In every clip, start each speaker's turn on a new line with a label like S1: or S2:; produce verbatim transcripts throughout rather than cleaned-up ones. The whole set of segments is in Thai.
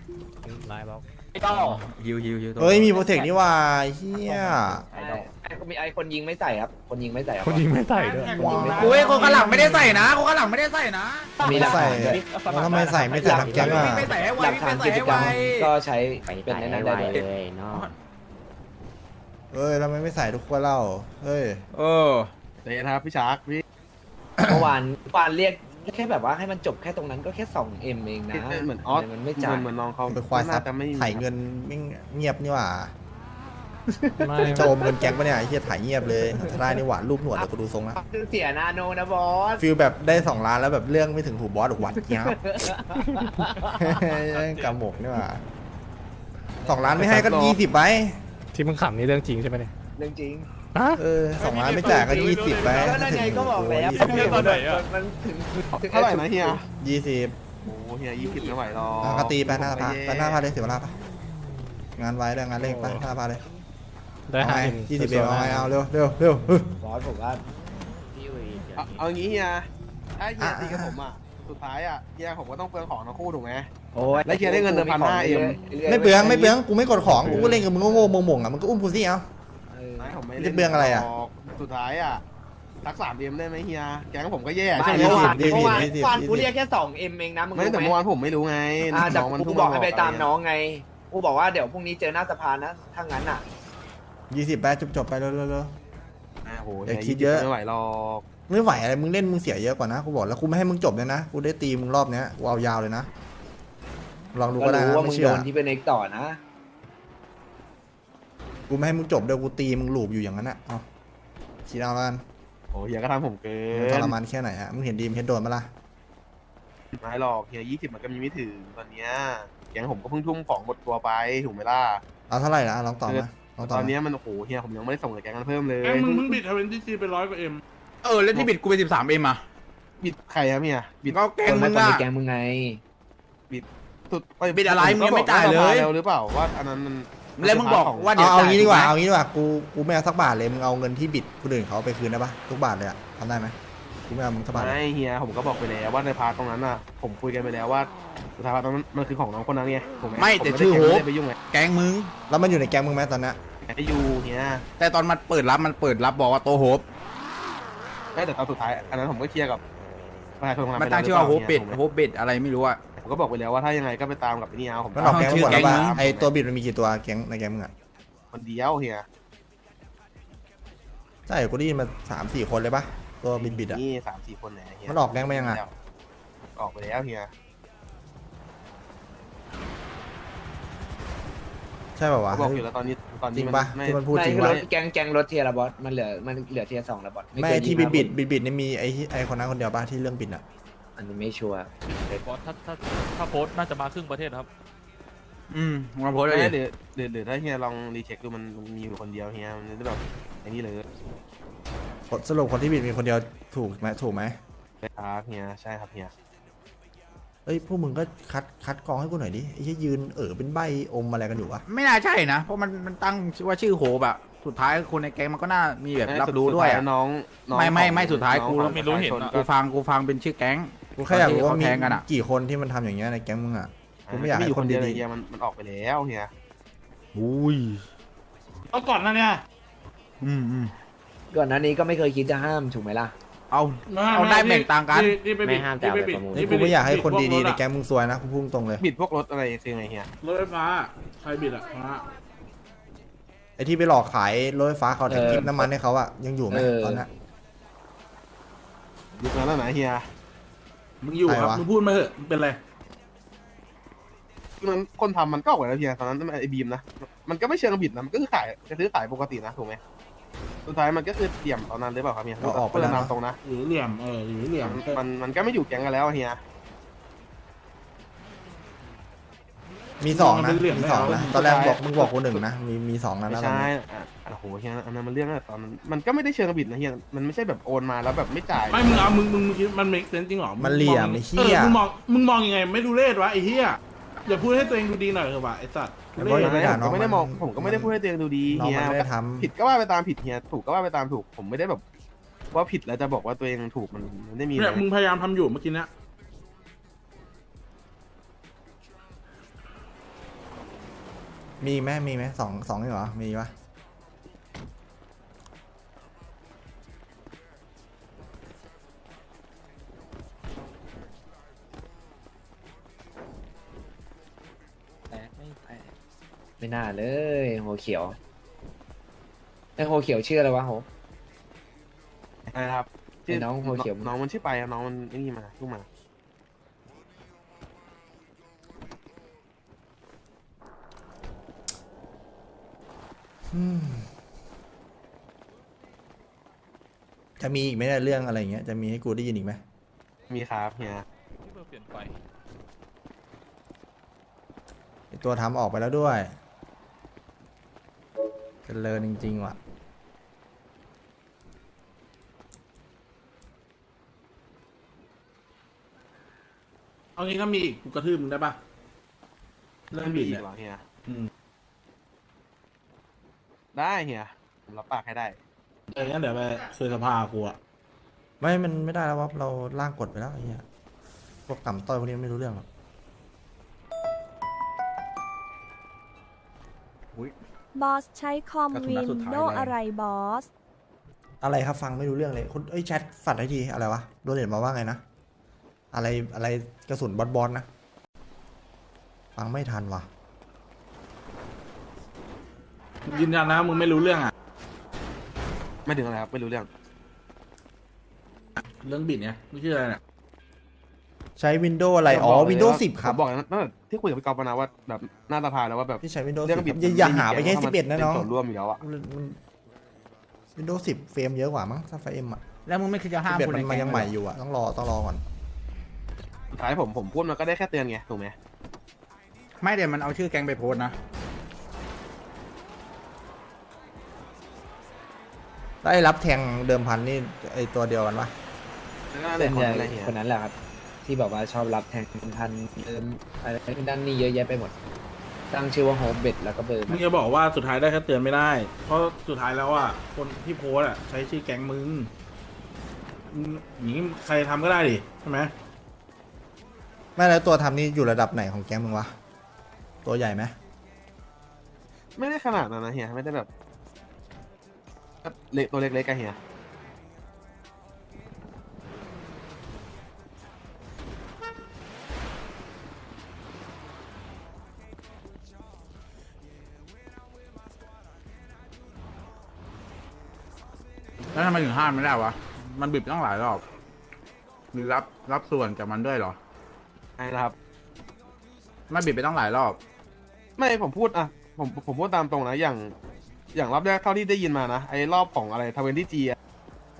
S1: นายบอก
S2: ไอ้ก็
S3: ฮิวฮิวฮิว
S4: เฮ้ยมีโปรเทคนี่ว่าเฮีย
S2: ไอ้ไอ้มีไอ้คนยิงไม่ใส่ครับคนยิงไม่ใส่ครับ
S1: คนยิงไม่ใส่ด้วย
S3: โอ้ยคนข้างหลังไม่ได้ใส่นะคนข้างหลังไม่ได้ใส่นะ
S2: มีหลัก
S4: ใส่
S2: ฐานด้วย
S4: แล้วทำไมใส่ไม่ใส่ทำแก๊งอ่ะ
S3: ไม่ใส่ให้ไว
S2: หลักฐาน
S3: ไม่
S2: กิ
S3: ใส่
S2: จ
S3: ให้
S2: กร
S3: ไว
S2: รมก็ใช้เป็นในนั้นได้ด้วย
S1: เลยเนาะ
S4: เอ้ยทำไมไม่ใส่ทุกคนเล่าเฮ้ย
S3: เออ
S5: เดี๋ยวนะครับพี่ชาร์กพี่
S2: เมื่อวานเมื่อวานเรียกแค่แบบว่าให้มันจบแค่ตรงนั้นก็แค่สองเอ็มเองนะ
S5: เหมือนออส
S2: ทำไมันไม่จ่าย
S5: เหมือนน้องเขา
S4: ไปควายซับ
S5: น่จะไม่
S4: ถ่ายเงินไม่เงียบนี่หว่า
S1: ไม่
S4: โจมเงินแก๊งปะเนี่ยไอ้เฮียถ่ายเงียบเลยได้นี่หว่ารูปหนวดเดี๋ยวกูดูทรงละ
S2: คือเสียนาโนนะบอส
S4: ฟิลแบบได้สองล้านแล้วแบบเรื่องไม่ถึงหูบอสหรอกวัดเงี้ยกำหมกนี่หว่าสองล้านไม่ให้ก็ยี่สิบไป
S1: ที่มึงขำนี่เรื่องจริงใช่ไหมเนี่ย
S2: เรื่องจริง
S1: ฮะ
S4: เออสองล้านไม่จ่ายก็ยี่สิบไป
S2: ก็นั่นไงก็บอกแล้ว
S1: ตอนไหนอะ
S2: มันถึงถึง
S5: เท่าไหร่นะเฮีย
S4: ยี่สิบ
S5: โอ้เฮียยี่สิบไม่ไหวหรอก
S4: อ่ะก็ตีไปหน้าพาไปหน้าพาเลยเสียเวลาปะงานไว้ด้วยงานเร่งไปหน้าพาเลย
S1: ได้
S4: เอา
S1: ห้า
S4: ไง
S1: เอ็ม
S4: ยี่สิบเอ็มเอาไงเอาเร็วเร็วเร็วเฮ้ย
S2: บอสผมว่า
S5: เอาเอางี้เฮียถ้าเฮีย
S4: อ่ะ
S5: ตีกับผมอ่ะสุดท้ายอ่ะเฮียผมก็ต้องเปลืองของทั้งคู่ถูกไหม
S2: โอ้ย
S5: แล้วเฮียได้เงินเดือนพันห้าเอ็ม
S4: ไม่เปลืองไม่เปลืองกูไม่กดของกูก็เล่นกับมึงโง่ๆมงๆอ่ะมึงก็อุ้มกูสิเอา
S2: เออ
S5: ไม่ผมไม่
S4: จะเปลืองอะไรอะ
S5: สุดท้ายอ่ะทักสามเอ็มได้ไหมเฮียแก๊งผมก็แย่
S2: ไม่
S5: ใช่ไหม
S2: เมื่อวาน
S4: ยี่สิบ
S2: เมื่อวาน
S4: ยี่สิบ
S2: เมื่อวาน
S4: ยี่สิบ
S2: กูเรียกแค่สองเอ็มเองนะมึง
S5: ไม่
S2: รู้
S5: แต่
S2: ไหม
S5: เมื่อวานผมไม่รู้ไง
S2: อ่าแต่
S5: น้องมัน
S2: กู
S5: เพิ่ง
S2: บอกให้ไปตาม
S5: ะ
S2: น้องไงกูบอกว่าเดี๋ยวพรุ่งนี้เจอหน้าสภานะถ้างั้นอ่ะ
S4: ยี่สิบไปจบจบๆไปเร็วเร็วเร็ว
S5: อ่ะโห
S4: อย่า
S5: ฮี
S4: คิดเยอะ
S5: ไม่ไหวหรอก
S4: ไม่ไหวอะไรมึงเล่นมึงเสียเยอะกว่านะกูบอกแล้วกูไม่ให้มึงจบเลยนะกูได้ตีมึงรอบเนี้ยกูเอายาวเลยนะลองดู
S2: ก็
S4: ก็ได้
S2: รู้
S4: นะ
S2: ว่ามึ
S4: ไม่
S2: ง
S4: เชื่
S2: โด
S4: อน
S2: ที่เป็นเอกต่อนะ
S4: กูไม่ให้มึงจบเดี๋ยวกูตีมึงหลูบอยู่อย่างนั้นนะเอาคิดเอาแล้วกัน
S5: โอ้เฮียก็ทำผมเกิ
S4: มึงท
S5: น
S4: รมานแค่ไหนอะมึงเห็นดีมเห็นโดนมาล่ะ
S5: ไม่หรอกเฮียยี่สิบมันก็มีไม่ถึงตอนเนี้ยแก๊งผมก็เพิ่งทุ่มของหมดตัวไปถูกไหมล่ะ
S4: เอาเท่าไหร่นะลองตอบมาลองตอบ
S5: ตอน
S4: มา
S5: เนี้ยมันโอ้โหเฮียผมยังไม่ได้ส่งกับแก๊งกันเพิ่มเลย
S6: แกมึงมึงบิดทเวนตี้ซีไปร้อยกว่าเอ็ม
S3: เออแล้วที่บิดกูไปสิบสามเอ็มอ่ะ
S5: บิดใครครับเฮียบิด
S3: ก็แก
S2: ค
S3: ง
S2: น
S3: มึ
S2: ละ
S3: ง
S2: คน
S3: อ่ะ
S2: ในแกงมึงไง
S5: สุด
S3: บิดอะไรมึงยังไม่จ่ายเลย
S5: แล้วหรือเปล่าว่าอันนั้นมัน
S3: แล้วมึงบอกว่า
S4: เอาเอางี้ดีกว่า
S3: จ่
S4: เอางี้ดีกว่ากูกูไม่เอาสักบาทเลยมึงเอาเงินที่บิดคนอื่นเขาเอาไปคืนได้ปะทุกบาทเลยอะทำได้ไหมกูไม่เอามึงสักบาทเลย
S5: ไม่เฮียผมก็บอกไปแล้วว่าในพาร์ทตรงนั้นน่ะผมคุยกันไปแล้วว่าสุดท้ายพาร์ทตรงนั้นมันคือของน้องคนนั้นไงผม
S3: ไม่
S5: ผ
S3: แต่
S5: ด้
S3: ชื่อโฮ
S5: ไม่
S3: ป
S5: ได้ไปยุ่งไง
S3: แกงมึง
S4: แล้วมันอยู่ในแก๊งมึงไหมตอนเนี้ย
S5: ไอยูเฮีย
S3: แต่ตอนมันเปิดรับมันเปิดรับบอกว่าโตโฮป
S5: ไม่แต่ตอนสุดท้ายอันนั้นผมก็เคลียร์กับประชาชนคนนั้น
S3: มัน
S5: ไป
S3: ตั้งชื่อว่าโฮป
S5: แล้
S3: เป็ด
S5: ถูกไหม
S3: โฮปเป็ดอะไรไม่รู้อ่ะ
S5: ผมก็บอกไปแล้วว่าถ้ายังไงก็ไปตามกับไอ้นี่เอาผม
S4: มันออกแก๊งมาหมดแล้ว
S3: เอาชื่อแก๊
S4: ป่ะ
S3: งมึง
S4: ไอตัวบิดมันมีกี่ตัวแก๊งในแก๊งมึงอะ
S5: คนเดียวเฮีย
S4: ใช่กูได้ยินมาสามสี่คนเลยปะตัวบิดบิดอะ
S5: นี่สามสี่คนไหนเฮีย
S4: มันออกแก๊งไปยังอะ
S5: ออกไปแล้วเฮีย
S4: ใช่ป่าวะ
S5: เขาบอกอยู่แล้วตอนนี้ตอน
S4: จริ
S5: นี้
S4: ง
S5: มัน
S4: ปะ
S5: ไม่
S4: ที่มันพูด
S2: ไม่
S4: จริง
S2: คือ
S4: ปะ
S2: รถแกงแกงรถเทียร์ละบอสมันเหลือมันเหลือเทียร์สองละบอส
S4: ไม่
S2: เคย
S4: ที่
S2: ยิ
S4: บิ
S2: ง
S4: ด
S2: นะ
S4: บิดบิดบิดนี่มีไอที่ไอคนนั้นคนเดียวปะที่เรื่องบิดอะ
S2: อันนี้ไม่ชัวร์
S7: บอสถ้าถ้าถ้าโพสต์น่าจะมาครึ่งประเทศครับ
S3: อืมมาโพสต์เล
S5: ไม่
S3: ย
S5: เดี๋ยวเดี๋ยวเดี๋ยวถ้าเฮียลองรีเช็คดูมันมันมีอยู่คนเดียวเฮียมันจะแบบอย่างนี้เลย
S4: สรุปคนที่บิดมีคนเดียวถูกไหมถูกไหม
S5: ครับเฮียใช่ครับเฮีย
S4: เอ้ยพวกมึงก็คัดคัดกรองให้กูหน่อยดิไอ้ที่ยืนเออเป็นใบอมอะไรกันอยู่วะ
S3: ไม่น่าใช่นะเพราะมันมันตั้งว่าชื่อโฮปอะสุดท้ายคนในแก๊งมันก็น่ามีแบบรับรู้ด้วยอะ
S5: น้องน้อง
S3: ไม่ไม่
S5: ของ
S3: ไม่สุดท้าย
S5: น้อง
S3: กู
S5: ของ
S7: ไม่รู้เห็น
S5: ประชาช
S7: อะ
S3: กูฟังกูฟังเป็นชื่อแก๊ง
S4: กูแค่อยากรู้ว่า
S3: เขา
S4: มี
S3: แทงกันอะ
S4: กี่คนที่มันทำอย่างเงี้ยในแก๊งมึงอะกูไม่อยากให้
S5: อยู่
S4: คน
S5: เดียว
S4: ดี
S5: เลยเฮียมันมันออกไปแล้วเฮีย
S4: ๆอุ้ย
S6: เอาก่อนนะเนี่ย
S3: อืมอืม
S2: ก่อนหน้านี้ก็ไม่เคยคิดจะห้ามถูกไหมล่ะ
S3: เอา เอาได้แบ่งต่างกัน
S6: ที่ที่ปบิด
S1: ไม่ห้ามแต่เอาไปประมูล
S4: นี่กูไม่อยากให้คนดีๆในแก๊งมึงซวยนะกูพุ่งตรงเลย
S5: บิดพวกรถอะไรคือไงเฮีย
S6: รถไฟฟ้าใครบิดอ่ะฟ้า
S4: ไอ้ที่ไปหลอกขายรถไฟฟ้าเขาแถมกิฟน้ำมันให้เขาอะยังอยู่ไหมตอนนั้น
S5: ยุคนั้นแล้วนะเฮีย
S6: มึงอยู่ครับ
S4: ใครวะ
S6: มึงพูดมาเถอะเป็นไร
S5: ยุคนั้นคนทำมันก็ออกไปแล้วเฮียตอนนั้นไอ้บีมนะมันก็ไม่เชิงบิดนะมันก็คือขายจะซื้อขายปกตินะถูกไหมสุดท้ายมันก็คือเตี่ยมตอนนั้นหรือเปล่าครับเฮีย
S4: ก็ออกไป
S5: เพื่
S4: แล้
S5: อ
S4: วน เนอะ
S5: นำตรงนะ
S6: หรือเหลี่ยมเออหรือเหลี่ยม
S5: มันมันก็ไม่อยู่แก๊งกันแล้วเฮีย
S4: มีสองนะมีสองนะตอนแรกบอกมึงบอกกูหนึ่งนะมีมีสองนะ
S5: ไม่
S4: แล้ว
S5: ใช่อ่ะโอ้โหเฮียอันนั้นมันเรื่องอะตอนนั้นมันก็ไม่ได้เชิงบิดนะเฮียมันไม่ใช่แบบโอนมาแล้วแบบไม่จ่าย
S6: ไม่มึงเอามึงมึงมึงคิดมันเมกเซนจริงเหรอ
S4: มันเหลี่ยม
S6: ง
S4: ไอ้
S6: เอ
S4: เหี้
S6: อย มึงมองมึงมองยังไงไม่ดูเลศวะไอ้เหี้ยอย่าพูดให้ตัวเองดูดีหน่อยเถอะวะไอ้สัตว์ทุ
S4: ไม่
S6: เรศ
S4: ไม่ด่า
S5: ผม
S4: น้อง
S5: ก็ไม่ได้มอง
S4: มัน
S5: ผมก็ไม่ได้พูดให้ตัวเองดูดี
S4: น้อง
S5: เฮีย
S4: มันไม่ได้ทำ
S5: ผิดก็ว่าไปตามผิดเฮียถูกก็ว่าไปตามถูกผมไม่ได้แบบว่าผิดแล้วจะบอกว่าตัวเองถูกมันมันไม่ได้มี
S6: เนี่ย
S5: นะ
S6: มึงพยายามทำอยู่เมื่อกี้เนี้ย
S4: มีไหมมีไหมสองสองนี่เหรอมีปะ
S2: แตกไม่แตกไม่น่าเลยโหเขียวไอโหเขียวชื่ออะไรวะโห
S5: นะครับ
S2: ไอ้น้องหัวเขียว
S5: น้องมันชื่อไปอะน้องมันไอ้นี่มาลูกมา
S4: อืมจะมีอีกไหมเนี่ยเรื่องอะไรอย่างเงี้ยจะมีให้กูได้ยินอีกไหม
S5: มีครับเฮีย
S7: ที่เบอร์เปลี่ยนไป
S4: ไอ้ตัวทำออกไปแล้วด้วยเจริญจริงๆว่ะ
S6: เอางี้ก็มีอีกกูกระทืบมึงได้ปะเรื่องบิด
S5: มี
S6: เนี่ย
S5: เหรอเฮีย
S6: อืม
S5: ได้เฮียผมรับปากให้ได้
S6: เอองั้นเดี๋ยวไปคุยสภากูอะ
S4: ไม่มันไม่ได้แล้ววะเราล่างกฎไปแล้วไอ้เหี้ยพวกต่ำต้อยพวกนี้ไม่รู้เรื่องหรอก
S8: บอสใช้คอม
S3: กระสุน
S8: วิ
S3: นัด
S8: น
S3: สุดท้าย
S8: โด
S3: เลย
S8: อะไรบอส
S4: อะไรครับฟังไม่รู้เรื่องเลยคุณเอ้ยแชทฝัดให้ทีอะไรวะโดนเด็ดมาว่าไงนะอะไรอะไรกระสุนบอลบอลนะฟังไม่ทันว่ะ
S6: ยืนยันนะมึงไม่รู้เรื่องอะ
S5: ไม่ถึงอะไรครับไม่รู้เรื่อง
S6: เรื่องบิดเนี่ยไม่ชื่ออะไรเนี่ย
S4: ใช้วินโดว์อะไรอ๋อ
S5: ผมบกเลย
S4: วินโดว์
S5: ว่า
S4: สิบครับ
S5: ผมบอกนะตั้งแต่ที่คุยกับพี่กอล์ฟนะว่าแบบหน้าตาพาแล้วว่าแบบ
S4: ที่ใช้วินโดว์
S5: เรื่
S4: สิ
S5: อบ งบิด
S4: อย่าอย่าหาไปแค่
S5: มัน
S4: สิบเอ็ดนะน้อง
S5: เป็ส่วนร่วมอยู่แล้วอะ
S4: วินโดว์สิบเฟรมเยอะกว่ามั้งถ้าไฟเอ็มอ่ะ
S3: แล้วมึงไม่คิดจะห้า
S4: สิ
S3: ม
S4: บเอ็ด
S3: คน
S4: มัน
S3: ใน
S4: มัน
S3: แก๊
S4: ยัง
S3: ง
S4: ใหม่
S3: เลย
S4: อยู่อ่ะต้องรอต้องรอก่อน
S5: สุดท้ายผมผมพูดมันก็ได้แค่เตือนไงถูกไหม
S3: ไม่เดี๋ยวมันเอาชื่อแก๊งไปโพสต์นะ
S4: ได้รับแทงเดิมพันนี่ไอตัวเดียวกันปะ
S5: แล้วก็นั่นแห
S2: เป็
S5: ละ
S2: น
S5: คน
S2: ใหญ่
S5: อะไรเฮีย
S2: คนนั้นแหละครับ ที่บอกว่าชอบรับแทงพันเติมอะไรด้านนี้เยอะแยะไปหมด ตั้งชื่อว่าโฮมเบ็ดแล้วก็เบอร์
S6: มึงจะบอกว่าสุดท้ายได้แค่เตือนไม่ได้ เพราะสุดท้ายแล้วอะคนที่โพสอะใช้ชื่อแก๊งมึงมึงอย่างนี้ใครทำก็ได้ดิใช่ไหม
S4: ไม่แล้วตัวทำนี่อยู่ระดับไหนของแก๊งมึงวะตัวใหญ่ไหม
S5: ไม่ได้ขนาดนั้นนะเฮียไม่ได้แบบก็เล็กตัวเล็กๆกันเฮีย
S3: แล้วทำไมถึงห้ามไม่ได้วะ มันบิดตั้งหลายรอบหรือรับรับส่วนจากมันด้วยเหรอ
S5: ใช่นะครับ
S3: ไม่บิดไปตั้งหลายรอบ
S5: ไม่ผมพูดอะผมผมพูดตามตรงนะอย่าง อย่างรอบแรกเท่าที่ได้ยินมานะไอ้รอบของอะไรทเวนตี้จีอะ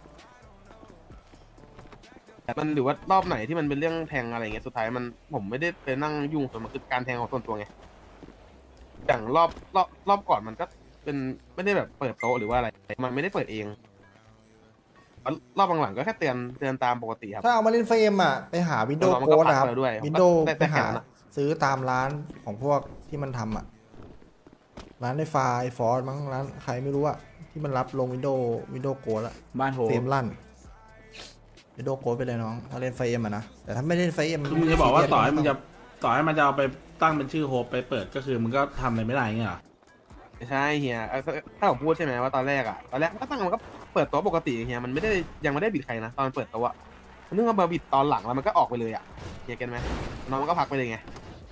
S5: มันหรือว่ารอบไหนที่มันเป็นเรื่องแทงอะไรเงี้ยสุดท้ายมันผมไม่ได้ไปนั่งยุ่งส่วนมันคือการแทงของส่วนตัวไงอย่างรอบรอบรอบก่อนมันก็เป็นไม่ได้แบบเปิดโต๊ะหรือว่าอะไร มันไม่ได้เปิดเองรอบหลังๆก็แค่เตือนเตือนตามปกติครับ
S4: ถ้าเอามาเล่นไฟเอ็มอ่ะไปหาวินโดว์
S5: เออมัน
S4: โค้
S5: ก็
S4: ดนะครับ
S5: ปรับแล้วด้วย
S4: วินโดว์
S5: ได้
S4: ไปหา
S5: ได้แค่นั้นอะ
S4: ซื้อตามร้านของพวกที่มันทำอ่ะร้านไอฟาไอฟอร์มั้งร้านใครไม่รู้อ่ะที่มันรับลงวินโดว์วินโดว์โค้ดละ
S3: บ้านโห
S4: เฟรมลั่นวินโดว์โค้ดไปเลยน้องถ้าเล่นไฟเอ็มอ่ะนะแต่ถ้าไม่เล่นไฟเอ็ม
S6: คือมึงจะบอกว่าต่อให้มึงจะต่อให้มันจะเอาไปตั้งเป็นชื่อโฮปไปเปิดก็คือมึงก็ทำอะไรไม่ได้เงี้ยเหรอ
S5: ไม่ใช่เฮียเอ่อถ้าถ้าผมพูดใช่ไหมว่าตอนแรกอะตอนแรกมันก็ตั้งมันก็เปิดโต๊ะปกติเฮียมันไม่ได้ยังไม่ได้บิดใครนะตอนเปิดโต๊ะอะมันเพิ่งมาบิดตอนหลังแล้วมันก็ออกไปเลยอะเฮียเก็ตไหมน้องมันก็พักไปเลยไง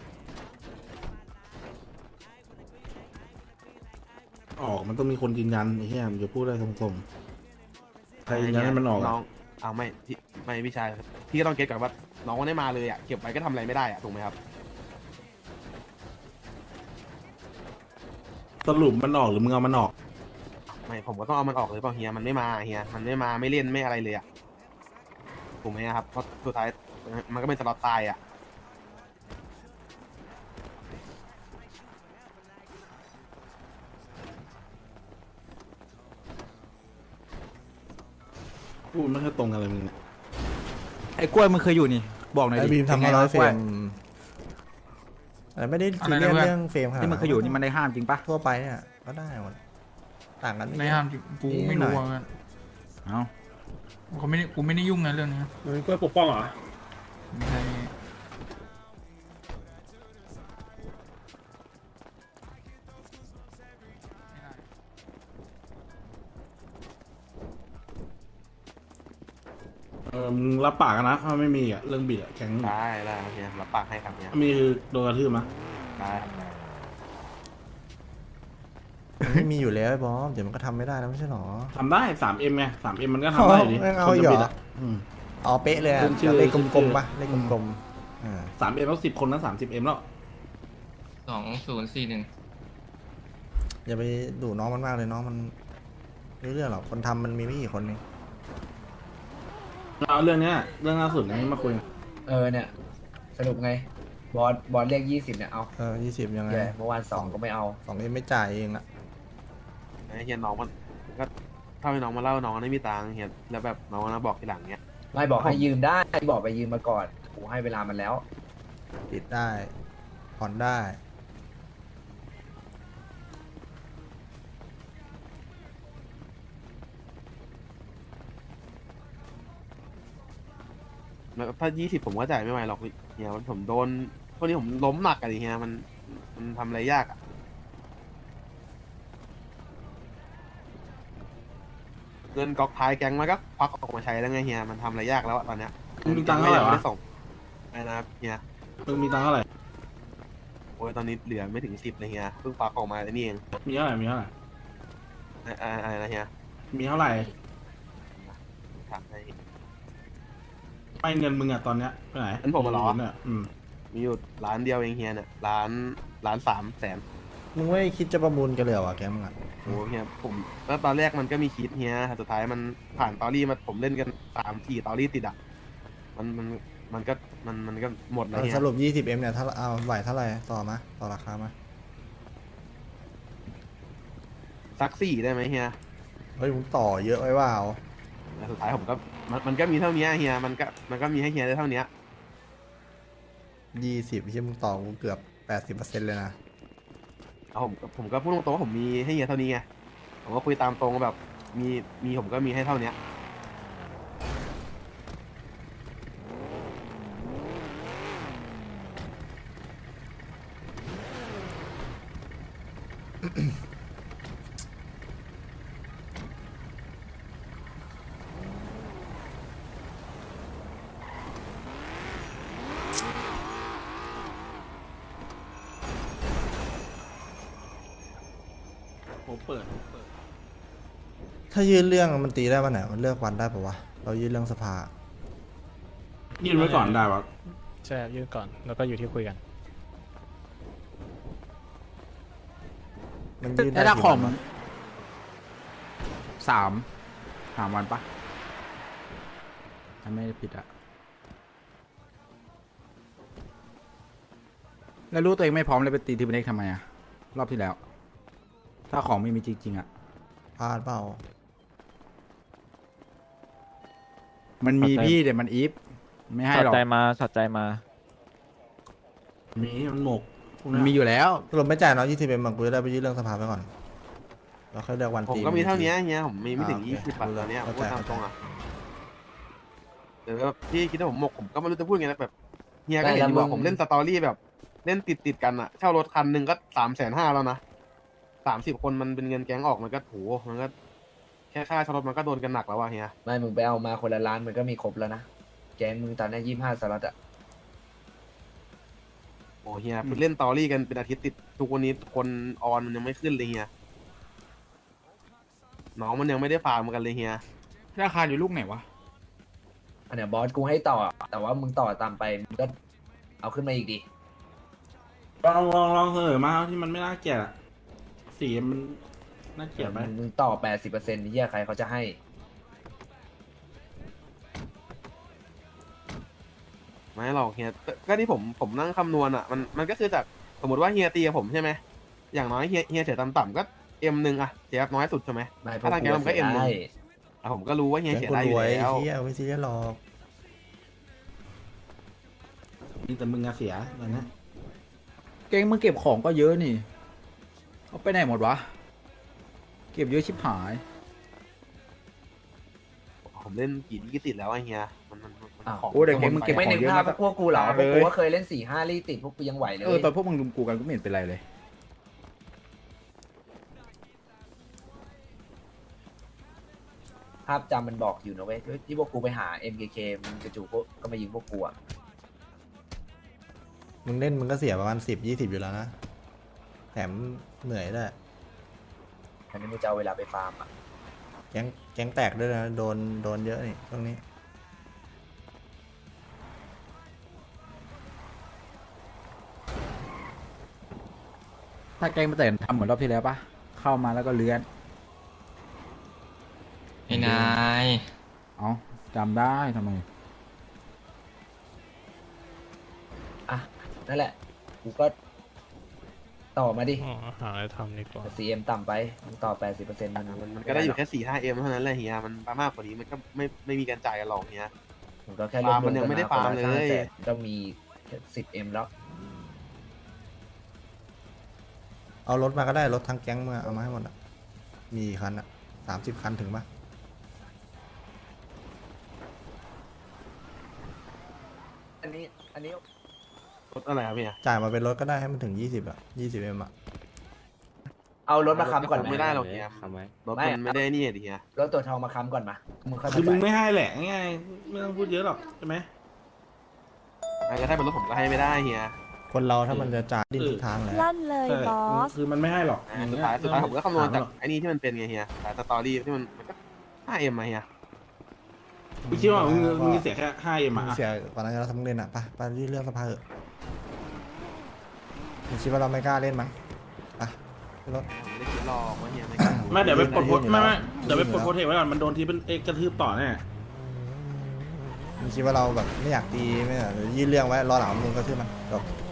S6: ออกมันต้องมีคนยืนยันไอ้เหี้ยมึงจะพูดได้ตรงๆใครยืนยันให้มันออก
S5: น้
S6: อะ
S5: องเอาไม่พี่ไม่พี่ชายพี่ก็ต้องเก็ตก่อนว่าน้องมันได้มาเลยอะเก็บไว้ก็ทำอะไรไม่ได้อะถูกไหมครับ
S6: สรุปมันออกหรือมึงเอามันออก
S5: ไม่ผมก็ต้องเอามันออกเลยเปล่าเฮียมันไม่มาเฮียมันไม่มาไม่เล่นไม่อะไรเลยอะถูกไหมครับเพราะสุดท้ายมันก็เป็นสล็อตตายอะ
S6: พูดไม่ค่อยตรงกันเลยมึงเนี่ย
S3: ไอ้กล้วยมึงเคยอยู่นี่ บอกหน่อย
S4: ไอ
S3: ดิ
S4: บีมทำ
S3: ป็
S4: มาน
S3: ไง
S4: ร้อ
S3: วะ
S4: ยเฟร
S3: กล้
S4: มแต่ไม่ได้ซีเรียส
S3: อะไรนะเพื่อน
S4: เรื่องเฟรมขนาด
S3: ที่มึงเคยอยู่นี่มันได้ห้ามจริงปะ
S4: ทั่วไปเนี่ยก็ได้หมดต่างกัน
S9: ไม่ห้ามกูไม่รู้ว่า
S3: เอ้า
S9: เขาไม่ได้กูไม่ได้ยุ่งนะเรื่องนี้
S1: มึงกล้วยปกป้องเหรอ
S9: ไม่ใช่
S6: พออมึงรับปากกันนะถ้าไม่มีอ่ะเรื่องบิดอ่ะแข็ง
S5: ได้ได้ครับเฮียรับปากให้ครับเฮีย
S6: ถ้ามีคือโดนกระทืบมั้ย
S5: ได้ครับได้
S4: มันไม่มีอยู่แล้วไอ้บอสเดี๋ยวมันก็ทำไม่ได้แล้วไม่ใช่หรอ
S6: ทำได้ สามเอ็ม ไง สามเอ็ม มันก็ทำได้อยู่ดิ
S4: เอาเอา
S6: คน
S4: เหร
S6: จะ
S4: อ
S6: บิดอ่ะอืม
S4: เอาเป๊ะเลยอะ
S6: ขึ้นชื่อ
S4: เลข
S6: ขึ้น
S4: ก
S6: ชื่
S4: ล
S6: อ
S4: มๆปะเลขกลมๆอ่า
S6: สามเอ็มแล้วสิบคนนั้นสามสิบเอ็มแล้ว
S10: สองศูนย์สี่หนึ่ง
S4: อย่าไปดูน้องมันมากเลยน้องมันไม่รู้เรื่องหรอกคนทำมันมีไม่กี่คนเอง
S6: เอาเรื่องเนี้ยเรื่องล่าสุดนี้มาคุย
S2: เออเนี่ย สรุปไง บอสบอสเรียกยี่สิบเนี่ยเอา
S4: เออยี่สิบยังไง
S2: แย่เมื่อวานสองก็ไม่เอา
S4: สองเอ็มไม่จ่ายเองอะ
S5: ไอ้เฮียน้องมันก็ถ้าให้น้องมาเล่าน้องไม่มีตังค์เฮียแล้วแบบน้องมาบอกทีหลังเนี้ย
S2: ไม่บอกให้ยืมได้บอกไปยืมมาก่อนกูให้เวลามันแล้ว
S4: ติดได้ผ่อนได้
S5: แล้วถ้ายี่สิบผมก็จ่ายไม่ไหวหรอกเฮียผมโดนพวกนี้ผมล้มหนักอะดิเฮียมันมันทำอะไรยากอะเงินก๊อกท้ายแก๊งมันก็ควักออกมาใช้แล้วไงเฮียมันทำอะไรยากแล้วอะตอนเนี้ย
S6: มึงมีตังค์เท่าไหร่วะ
S5: ม่ด้ส่งไอ้นะครับเฮีย
S6: มึงมีตังค์เท่าไหร่
S5: โอ้ยตอนนี้เหลือไม่ถึงสิบเลยเฮียเพิ่งควักออกมาไอ้นี่เอง
S6: มีเท่าไหร่ มีเท่าไหร่
S5: ไอ้ไอ้อะไรนะเฮีย
S6: มีเท่าไหร่
S5: ถามให้
S6: ไม่เงินมึงอ่ะตอนเนี้ยไปไหน
S5: อันผมอะเหรอ
S6: เนี่ยอืม
S5: มีอยู่ร้านเดียวเองเฮียเนี่ยร้านร้านสามแสน
S4: มึงไม่คิดจะประมูลกันเลยเหรอวะแกมึงอะ
S5: โอ้เฮียผมแล้วตอนแรกมันก็มีคิดเฮียแต่สุดท้ายมันผ่านตอรี่มาผมเล่นกันสามสี่ตอรี่ติดอ่ะมันมันมันก็มันมันก็หมดแล้วเฮีย
S4: สรุปยี่สิบเอ็มเนี่ยถ้าเอาไหวเท่าไหร่ต่อมาต่อราคามา
S5: สักสี่ได้ไหมเฮีย
S4: เฮ้ยมึงต่อเยอะไว้ว่าเอา
S5: แล้วสุดท้ายผมก็มันมันก็มีเท่านี้เฮียมันก็มันก็มีให้เฮียได้เท่านี้
S4: ยี่สิบที่มึงต่อกูเกือบแปดสิบเปอร์เซ็นต์เลยนะ
S5: เอาผมผมก็พูดตรงๆว่าผมมีให้เฮียเท่านี้ไงผมก็คุยตามตรงว่าแบบมีมีผมก็มีให้เท่านี้
S6: ผมเปิด
S4: ถ้ายื่นเรื่องมันตีได้วันไหนมันเลือกวันได้ปะวะเรายื่นเรื่องสภา
S6: ยื่นไว้ก่อนได้ปะ
S1: ใช่ยื่นก่อนแล้วก็อยู่ที่คุยกัน
S4: มันยื่นได้
S3: ถ้า
S4: กี่
S3: ของ
S4: วันวะ
S3: สามสามวันปะถ้าไม่ได้ผิดอะแล้วรู้ตัวเองไม่พร้อมเลยไปตีทีมเล็กทำไมอะรอบที่แล้ว ถ้าของไม่มีจริงๆอะ
S4: พลาดเปล่า
S3: มันมีพี่แต่มันอีฟไม่ให้
S7: สั
S3: หรอก
S7: ใจมาสัใจมา
S6: มีมันหมกพวก
S3: มัน
S6: เนี้ย
S3: มีอยู่แล้ว
S4: สรุปไม่จ่ายเนาะยี่สิบเอ็มมันกูจะได้ไปยื่นเรื่องสภาไปก่อนเราค่อยเลือกวัน
S5: ผม
S4: ตี
S5: ก็มีเท่านี้เฮียผมมีไม่ถึง
S4: อ่า
S5: ยี่
S4: โอเค
S5: สิบบาทตอนเนี้ยผม
S4: เข้าใจ
S5: พูดตามตรงอ่ะเออแบบพี่คิดว่าผมหมกผมก็ไม่รู้จะพูดไงนะแบบเฮียก็เห็นอยู่ว่าผมเล่นสตอรี่แบบ เล่นติดติดๆกันอ่ะเช่ารถคันหนึ่งก็สามแสนห้าแล้วนะสามสิบคนมันเป็นเงินแก๊งออกมันก็โหมันก็แค่ค่าเช่ารถมันก็โดนกันหนักแล้วว่ะเฮีย
S2: ไม่มึงไปเอามาคนละล้านมันก็มีครบแล้วนะ แกงมึงตอนนี้ยี่ห้าสล็อตอะ
S5: โอ้เฮียเล่นตอรี่กันเป็นอาทิตย์ติดทุกวันนี้คนออนมันยังไม่ขึ้นเลยเฮียน้องมันยังไม่ได้ฟาร์มกันเลยเฮีย
S3: ราคาอยู่ลูกไหนวะ
S2: อันเนี้ยบอสกูให้ต่อ แต่ว่ามึงต่อตามไปมึงก็เอาขึ้นมาอีกดิ
S6: ลองลองลองเสนอมาที่มันไม่น่าเกลียดอะสีมันน่าเกลียดไหม
S2: มึงต่อแปดสิบเปอร์เซ็นต์ที่ใครเขาจะให้
S5: ไม่หรอกเฮียก็ที่ผมผมนั่งคำนวณอ่ะมันมันก็คือจากสมมติว่าเฮียตีกับผมใช่ไหมอย่างน้อยเฮียเฮียเสียต่ำๆก็เอ็มหนึ่งอะเสียน้อยสุดใช่ไหม
S2: ไม่พว
S5: ถ้าทางแกมันก็เอ็มหนึ่ง
S2: ได้
S5: อ่ะผมก็รู้ว่าเฮีย
S4: แก
S5: เสีย
S4: กู
S5: ได้อ
S4: ร
S5: ยู่
S4: วย
S5: แล้ว
S4: เฮียไม่ซีเรียสหรอก
S6: มีแต่มึงอะเสียตอนเนี้ย
S3: เก่งมึงเก็บของก็เยอะนี่เอาไปไหนหมดวะ เก็บเยอะชิบหาย
S5: ผมเล่นกี่ที่ติดแล้วไอ้เฮียมันมันมัน
S2: อ้าว
S5: ของ
S3: โอ้เด็กเก่งมึงเก็บข
S2: ไม่
S3: อง
S2: นึก
S3: เยอะ
S2: ภาพ
S3: มาก
S2: พวกกูเหรอพ
S3: เล
S2: วกกู
S3: ย
S2: ก็เคยเล่นสี่ห้าลี่ติดพวกกูยังไหวเลย
S3: เออตอนพวกมึงรุมกูกันก็ไม่เห็นเป็นไรเลย
S2: ภาพจำมันบอกอยู่นะเว้ยที่พวกกูไปหา เอ็ม เค เค มันกระจูพวกก็มายิงพวกกูอะ
S4: มึงเล่นมึงก็เสียประมาณสิบยี่สิบอยู่แล้วนะ แถมเหนื่อยด้วย
S2: อันนี้มึงจะเอาเวลาไปฟาร์มอะ
S4: แก๊งแก๊งแตกด้วยนะ โดนโดนเยอะนี่ตรงนี้
S11: ถ้าแกงมาแต่ทำเหมือนรอบที่แล้วปะเข้ามาแล้วก็เลื้อน
S10: ไอ้นาย
S11: เอาจำได้ทำไม
S2: อ่ะนั่นแหละกูก็ต่อมาดิ
S1: อ๋อหาอะไรทำดีกว่า
S2: ซีเอ็มต่ำไปมึงต่อแปดสิบเปอร์เซ็นต์มัน
S5: มันมันก็ได้อยู่แค่สี่ห้าเอ็มเท่านั้นแหละเฮียมันมากกว่านี้มันก็ไม่ไม่มีการจ่ายกันหรอกเฮีย
S2: มึงก็แค่
S5: ฟาร์มมันยังไม่ได้ฟาร์มเลย
S2: ก็มีสิบเอ็มแล้ว
S4: เอารถมาก็ได้รถทั้งแก๊งมาเอามาให้หมดอ่ะ มีกี่คันอ่ะสามสิบคันถึงปะ
S2: อันนี้อันนี้
S5: รถอะไรครับพี่
S4: จ่ายมาเป็นรถก็ได้ให้มันถึงยี่สิบอ่ะยี่สิบเอ็มอ่ะ
S2: เอารถมาค้ำก่อนไหม
S5: ไม่ได้หรอกเฮียรถมันไม่ได้นี่ดิเฮีย
S2: รถตัวทองมาค้ำก่อนมามึงค่อย
S6: คือ
S2: มา
S6: มึง
S2: จ่าย
S6: ไม่ให้แหละง่ายๆไม่ต้องพูดเยอะหรอกใช่ไหม
S5: ก็ถ้าเป็นรถผมก็ให้ไม่ได้เฮีย
S4: คนเราถ้ามันจะจ่ายดิ้นทุกทางแหละ
S8: ลั่นเลย
S6: ใช่
S8: บอส
S6: คือมันไม่ให้หรอก
S5: อ่าสุดท้ายสุดท้ายผมก็คำนวณจากไอ้นี่ที่มันเป็นไงเฮียสายสตอรี่ที่มันมันก็ห้าเอ็มมาเฮีย
S6: มึงคิดว่ามึงมึงเสียแค่ห้าเอ็ม
S4: มึ
S6: อ่ะ
S4: งเสียก่อนหน้านี้เราทำเล่นอ่ะไปไปที่เรื่องสภาเถอะมึงคิดว่าเราไม่กล้าเล่นมั้งไปขึ้นรถ
S5: ผมไม่ได้คิดหรอกว่าเฮียไม่กล้า
S6: ไม่เดี๋ยวไปปลดโพส
S4: ยื่นอยู่
S6: ไม่ไม่
S4: แล้ว
S6: เดี๋ยวไป
S4: ยื่นอยู่
S6: ปลดโพสเทคไว้ก่อนมันโดนทีเป็นเอกกระทืบต่อแน่
S4: มึงคิดว่าเราแบบไม่อยากตีไม่อยากยื่นเรื่องไว้รอหลังมึงก็ทื่อมันจบ